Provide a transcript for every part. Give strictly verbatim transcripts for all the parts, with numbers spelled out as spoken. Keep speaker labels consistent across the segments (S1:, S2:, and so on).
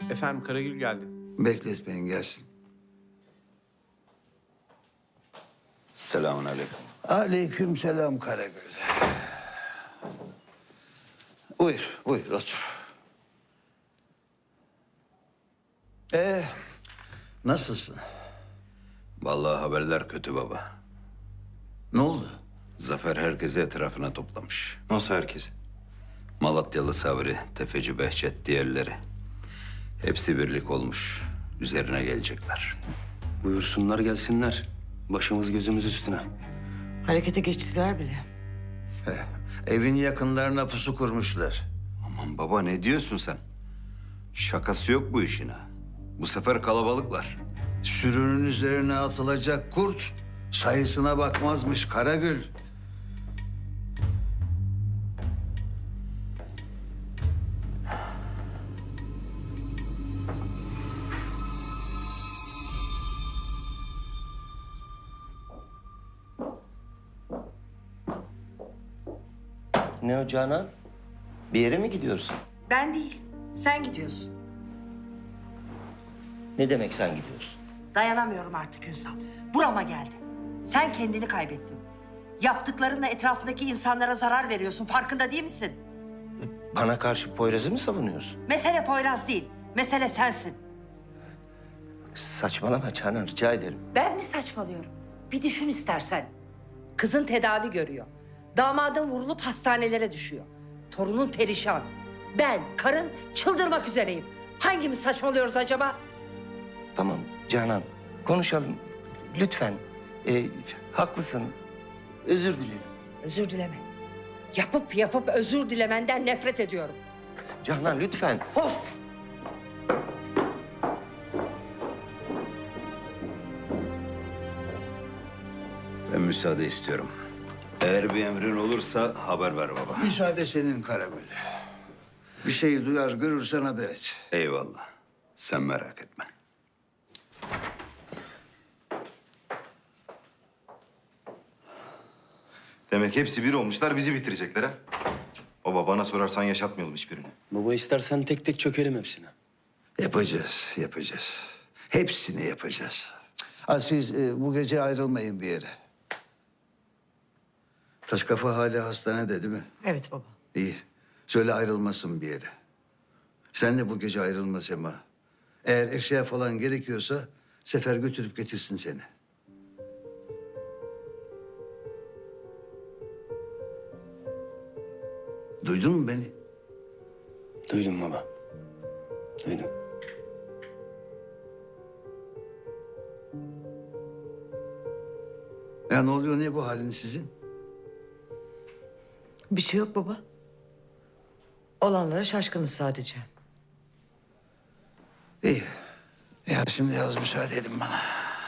S1: Efendim Karagül geldi.
S2: Bekletmeyin gelsin.
S3: Selamun aleyküm.
S2: Aleyküm selam Karagül. Buyur, buyur otur. Ee, nasılsın?
S3: Vallahi haberler kötü baba.
S2: Ne oldu?
S3: Zafer herkesi etrafına toplamış.
S4: Nasıl herkesi?
S3: Malatyalı Sabri, Tefeci Behçet, diğerleri. Hepsi birlik olmuş. Üzerine gelecekler.
S4: Buyursunlar gelsinler. Başımız gözümüz üstüne.
S5: Harekete geçtiler bile.
S2: Heh, evin yakınlarına pusu kurmuşlar.
S3: Aman baba ne diyorsun sen? Şakası yok bu işin ha. Bu sefer kalabalıklar.
S2: Sürünün üzerine atılacak kurt sayısına bakmazmış Karagül.
S6: Ne o Canan? Bir yere mi gidiyorsun?
S5: Ben değil, sen gidiyorsun.
S6: Ne demek sen gidiyorsun?
S5: Dayanamıyorum artık Ünsal. Burama geldi. Sen kendini kaybettin. Yaptıklarınla etrafındaki insanlara zarar veriyorsun. Farkında değil misin?
S6: Bana karşı Poyraz'ı mı savunuyorsun?
S5: Mesele Poyraz değil. Mesele sensin.
S6: Saçmalama Canan, rica ederim.
S5: Ben mi saçmalıyorum? Bir düşün istersen. Kızın tedavi görüyor. Damadın vurulup hastanelere düşüyor. Torunun perişan. Ben, karın çıldırmak üzereyim. Hangimiz saçmalıyoruz acaba?
S6: Tamam Canan, konuşalım. Lütfen. Ee, haklısın. Özür dilerim.
S5: Özür dileme. Yapıp yapıp özür dilemenden nefret ediyorum.
S6: Canan lütfen.
S5: Of!
S3: Ben müsaade istiyorum. Eğer bir emrin olursa haber ver baba.
S2: Müsaade senin Karagül. Bir şey duyar görürsen haber et.
S3: Eyvallah. Sen merak etme.
S4: Demek hepsi bir olmuşlar, bizi bitirecekler ha? Baba bana sorarsan yaşatmayalım hiçbirini.
S7: Baba istersen tek tek çökelim hepsine.
S2: Yapacağız, yapacağız. Hepsini yapacağız. Ha, siz e, bu gece ayrılmayın bir yere. Taş kafa hala hastanede değil mi?
S5: Evet baba.
S2: İyi. Söyle ayrılmasın bir yere. Sen de bu gece ayrılma Sema. Eğer eşya falan gerekiyorsa Sefer götürüp getirsin seni. Duydun mu beni?
S7: Duydum baba. Duydum.
S2: Ya ne oluyor, ne bu halin sizin?
S5: Bir şey yok baba. Olanlara şaşkınız sadece.
S2: İyi. Ya şimdi az müsaade edin bana.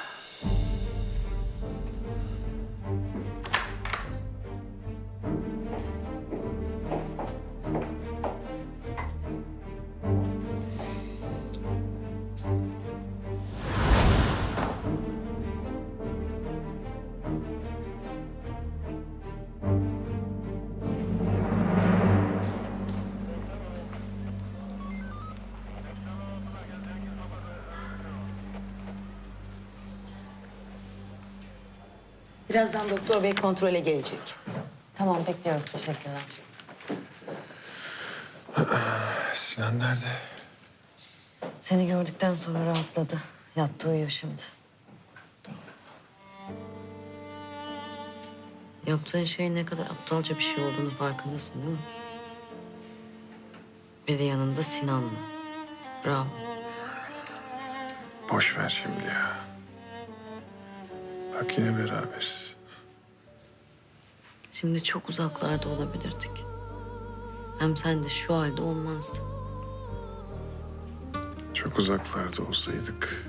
S8: Birazdan doktor bey kontrole gelecek. Tamam, bekliyoruz. Teşekkürler.
S9: Sinan nerede?
S8: Seni gördükten sonra rahatladı. Yattı uyuyor şimdi. Yaptığın şeyin ne kadar aptalca bir şey olduğunu farkındasın değil mi? Bir de yanında Sinan'la. Bravo.
S9: Boş ver şimdi ya. Bak yine beraberiz.
S8: Şimdi çok uzaklarda olabilirdik. Hem sen de şu halde olmazdın.
S9: Çok uzaklarda olsaydık.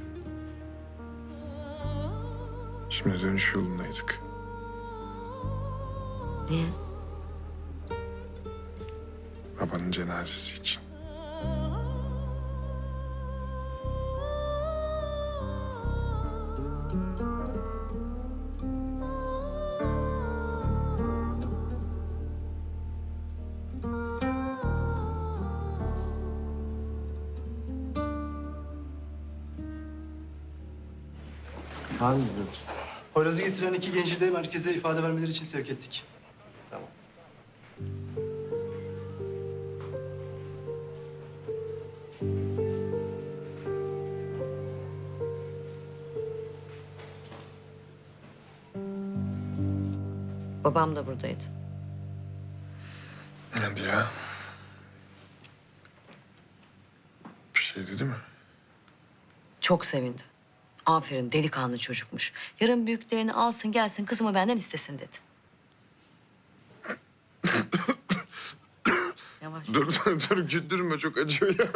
S9: Şimdi dönüş yolundaydık.
S8: Niye?
S9: Babanın cenazesi için.
S1: Poyraz'ı getiren iki genci de merkeze ifade vermeleri için sevk ettik.
S8: Babam da buradaydı.
S9: Hadi ya. Bir şey dedi mi?
S8: Çok sevindi. Aferin, delikanlı çocukmuş. Yarın büyüklerini alsın gelsin kızımı benden istesin dedi. Yavaş.
S9: Dur dur dur güldürme, çok acıyor ya.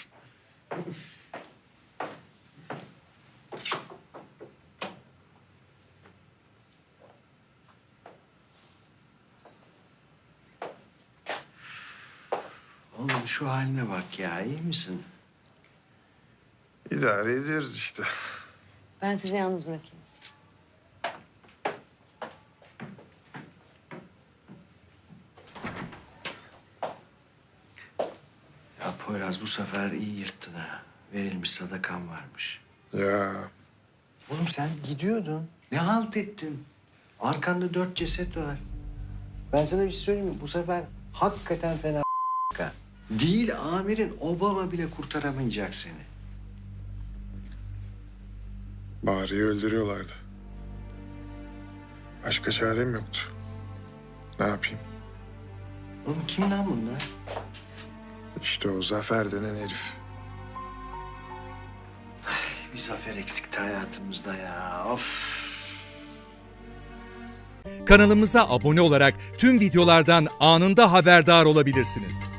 S2: Oğlum şu haline bak ya, iyi misin?
S9: İdare ediyoruz işte.
S8: Ben sizi yalnız bırakayım.
S2: Ya Poyraz bu sefer iyi yırttın ha. Verilmiş sadakan varmış.
S9: Ya
S2: Oğlum sen gidiyordun. Ne halt ettin? Arkanda dört ceset var. Ben sana bir şey söyleyeyim mi? Bu sefer hakikaten fena ha. Değil amirin, Obama bile kurtaramayacak seni.
S9: Bahar'ı öldürüyorlardı. Başka çarem yoktu. Ne yapayım?
S2: Oğlum kim lan bunlar?
S9: İşte o Zafer denen herif.
S2: Bir zafer eksikti hayatımızda ya. Of.
S10: Kanalımıza abone olarak tüm videolardan anında haberdar olabilirsiniz.